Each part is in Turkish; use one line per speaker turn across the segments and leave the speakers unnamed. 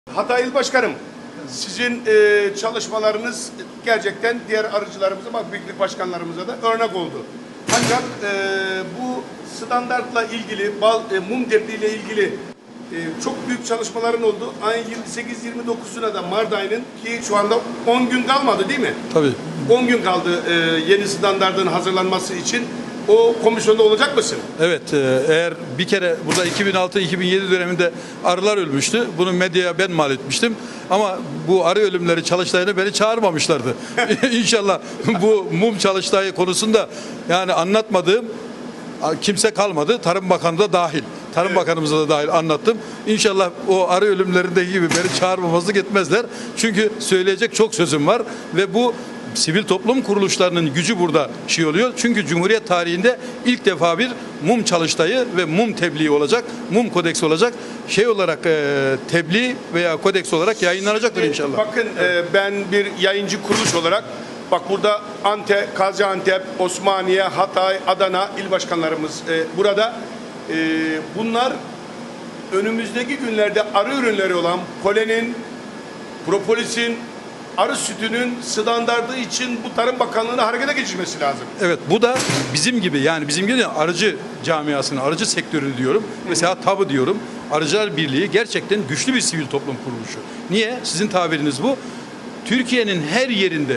Hatay İl Başkanım, sizin çalışmalarınız gerçekten diğer arıcılarımıza, birlik başkanlarımıza da örnek oldu. Ancak bu standartla ilgili, mum tebliğ ile ilgili çok büyük çalışmaların oldu. Ayın 28-29'una da Mart ayının, ki şu anda 10 gün kalmadı değil mi?
Tabii.
10 gün kaldı yeni standartın hazırlanması için. O komisyonda olacak mısın?
Evet, eğer bir kere burada 2006-2007 döneminde arılar ölmüştü. Bunu medyaya ben mal etmiştim. Ama bu arı ölümleri çalıştayına beni çağırmamışlardı. İnşallah bu mum çalıştayı konusunda yani anlatmadığım kimse kalmadı. Tarım Bakanı da dahil. Tarım Bakanımıza da dahil anlattım. İnşallah o arı ölümlerindeki gibi beni çağırmamazlık etmezler. Çünkü söyleyecek çok sözüm var ve bu sivil toplum kuruluşlarının gücü burada oluyor. Çünkü Cumhuriyet tarihinde ilk defa bir mum çalıştayı ve mum tebliği olacak. Mum kodeksi olacak. Olarak tebliğ veya kodeks olarak yayınlanacaktır inşallah.
Bakın ben bir yayıncı kuruluş olarak burada Gaziantep, Osmaniye, Hatay, Adana il başkanlarımız burada. Bunlar önümüzdeki günlerde arı ürünleri olan polenin, propolisin, arı sütünün standardı için bu Tarım Bakanlığı'na harekete geçirmesi lazım.
Evet, bu da bizim gibi arıcı camiasını, arıcı sektörünü diyorum. Mesela TAB'ı diyorum. Arıcılar Birliği gerçekten güçlü bir sivil toplum kuruluşu. Niye? Sizin tabiriniz bu. Türkiye'nin her yerinde,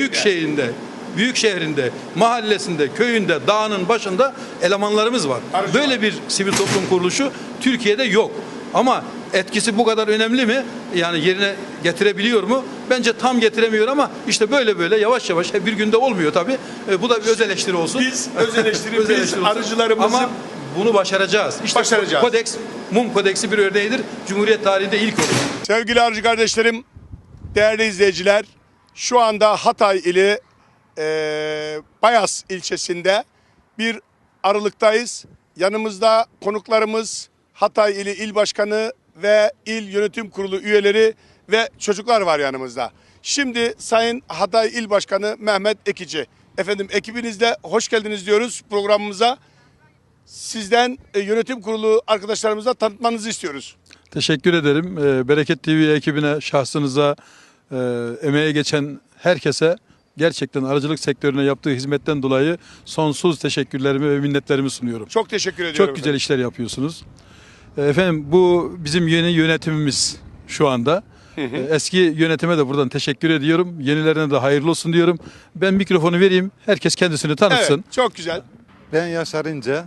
büyük şehrinde, mahallesinde, köyünde, dağının başında elemanlarımız var. Böyle bir sivil toplum kuruluşu Türkiye'de yok. Ama etkisi bu kadar önemli mi? Yani yerine getirebiliyor mu? Bence tam getiremiyor ama işte böyle yavaş yavaş bir günde olmuyor tabii. Bu da bir öz eleştiri olsun.
Biz öz eleştiri, biz arıcılarımızı
ama bunu başaracağız. İşte
başaracağız.
Mum kodeksi bir örneğidir. Cumhuriyet tarihinde ilk olur.
Sevgili arıcı kardeşlerim, değerli izleyiciler, şu anda Hatay ili Bayas ilçesinde bir arılıktayız. Yanımızda konuklarımız Hatay ili il başkanı ve il yönetim kurulu üyeleri ve çocuklar var yanımızda. Şimdi Sayın Hatay İl Başkanı Mehmet Ekici. Efendim, ekibinizle hoş geldiniz diyoruz programımıza. Sizden yönetim kurulu arkadaşlarımıza tanıtmanızı istiyoruz.
Teşekkür ederim. Bereket TV ekibine, şahsınıza, emeğe geçen herkese gerçekten arıcılık sektörüne yaptığı hizmetten dolayı sonsuz teşekkürlerimi ve minnetlerimi sunuyorum.
Çok teşekkür ediyorum.
Çok güzel işler yapıyorsunuz. Efendim, bu bizim yeni yönetimimiz şu anda. Eski yönetime de buradan teşekkür ediyorum. Yenilerine de hayırlı olsun diyorum. Ben mikrofonu vereyim. Herkes kendisini tanıtsın.
Evet, çok güzel.
Ben Yaşar İnce.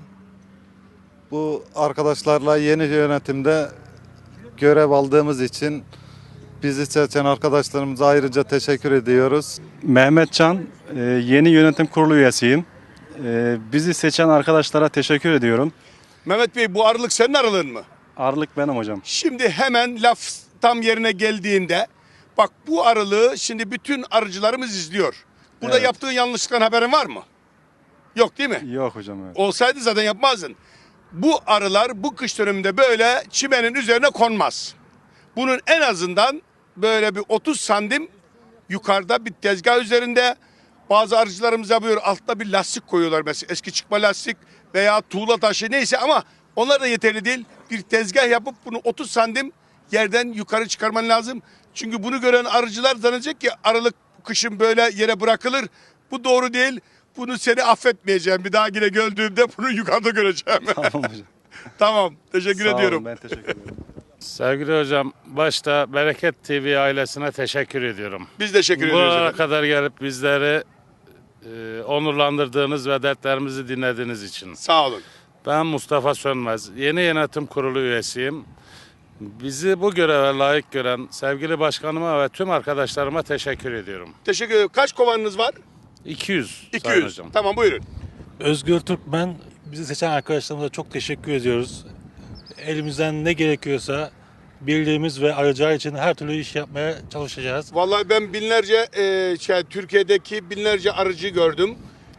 Bu arkadaşlarla yeni yönetimde görev aldığımız için bizi seçen arkadaşlarımıza ayrıca teşekkür ediyoruz.
Mehmet Can, yeni yönetim kurulu üyesiyim. Bizi seçen arkadaşlara teşekkür ediyorum.
Mehmet Bey, bu arılık senin arılığın mı?
Arılık benim hocam.
Şimdi hemen laf tam yerine geldiğinde, bu arılığı şimdi bütün arıcılarımız izliyor. Burada
Evet.
yaptığın yanlışlıktan haberin var mı? Yok değil mi?
Yok hocam. Evet.
Olsaydı zaten yapmazdın. Bu arılar bu kış döneminde böyle çimenin üzerine konmaz. Bunun en azından böyle bir 30 santim yukarıda bir tezgah üzerinde, bazı arıcılarımız yapıyor, altta bir lastik koyuyorlar mesela, eski çıkma lastik veya tuğla taşı neyse, ama onlar da yeterli değil. Bir tezgah yapıp bunu 30 santim yerden yukarı çıkarman lazım. Çünkü bunu gören arıcılar zannedecek ki arılık kışın böyle yere bırakılır. Bu doğru değil. Bunu seni affetmeyeceğim. Bir daha yine gördüğümde bunu yukarıda göreceğim.
Tamam hocam.
Tamam. Teşekkür
Sağ olun,
ediyorum.
ben teşekkür ederim.
Sevgili hocam, başta Bereket TV ailesine teşekkür ediyoruz.
Biz teşekkür ediyoruz
Buralara
efendim.
kadar gelip bizleri onurlandırdığınız ve dertlerimizi dinlediğiniz için.
Sağ olun.
Ben Mustafa Sönmez, yeni yönetim kurulu üyesiyim. Bizi bu göreve layık gören sevgili başkanıma ve tüm arkadaşlarıma teşekkür ediyorum.
Teşekkür ederim. Kaç kovanınız var?
200. Sayın
200.
hocam.
Tamam, buyurun.
Özgür Türkmen, bizi seçen arkadaşlarımıza çok teşekkür ediyoruz. Elimizden ne gerekiyorsa birliğimiz ve arıcılar için her türlü iş yapmaya çalışacağız.
Vallahi ben binlerce Türkiye'deki binlerce arıcı gördüm.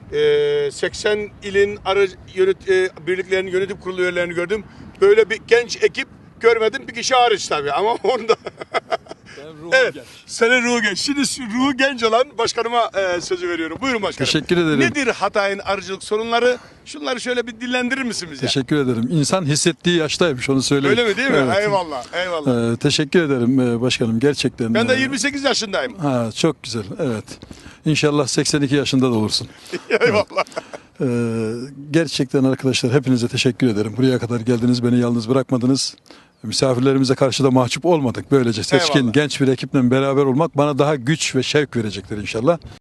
80 ilin birliklerinin yönetim kurulu üyelerini gördüm. Böyle bir genç ekip görmedim, bir kişi hariç tabii, ama onda Evet. Senin ruhu genç. Şimdi şu ruhu genç olan başkanıma sözü veriyorum. Buyurun başkanım.
Teşekkür ederim.
Nedir Hatay'ın arıcılık sorunları? Şunları şöyle bir dillendirir misin bize?
Teşekkür ederim. İnsan hissettiği yaştaymış, onu söyleyeyim.
Öyle mi değil mi?
Evet.
Eyvallah. Eyvallah.
Teşekkür ederim başkanım, gerçekten.
Ben de 28 yaşındayım.
Ha, çok güzel, evet. İnşallah 82 yaşında da olursun.
Eyvallah.
Gerçekten arkadaşlar, hepinize teşekkür ederim. Buraya kadar geldiniz, beni yalnız bırakmadınız. Misafirlerimize karşı da mahcup olmadık. Böylece seçkin,
Eyvallah.
genç bir ekiple beraber olmak bana daha güç ve şevk verecektir inşallah.